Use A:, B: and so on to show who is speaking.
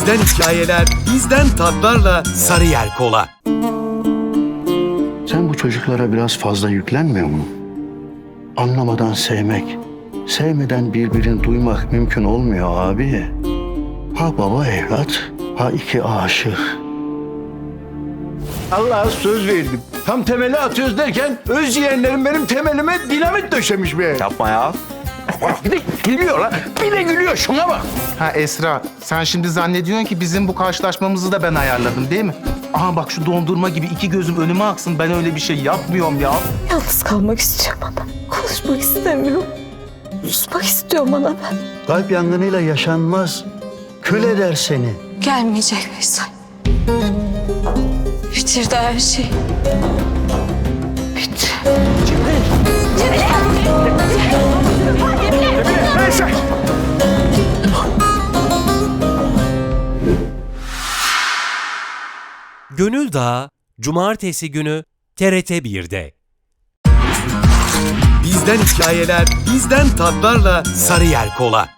A: Bizden hikayeler, bizden tatlarla Sarıyer Kola.
B: Sen bu çocuklara biraz fazla yüklenmiyor mu? Anlamadan sevmek, sevmeden birbirini duymak mümkün olmuyor abi. Ha baba evlat, ha iki aşık.
C: Allah'a söz verdim. Tam temeli atıyoruz derken öz yeğenlerim benim temelime dinamit döşemiş be.
D: Yapma ya.
C: Bir de gülüyor lan. Bir de gülüyor. Şuna bak.
E: Ha Esra, sen şimdi zannediyorsun ki bizim bu karşılaşmamızı da ben ayarladım değil mi? Aha bak şu dondurma gibi iki gözüm önüme aksın. Ben öyle bir şey yapmıyorum ya.
F: Yalnız kalmak istiyorum ana. Konuşmak istemiyorum. Susmak istiyorum ana ben.
B: Kalp yangınıyla yaşanmaz. Kül eder seni.
F: Gelmeyecek Veysel. Bitirdi her şeyi. Bitti.
A: Gönül Dağı, Cumartesi günü TRT 1'de. Bizden hikayeler, bizden tatlarla Sarıyer Kola.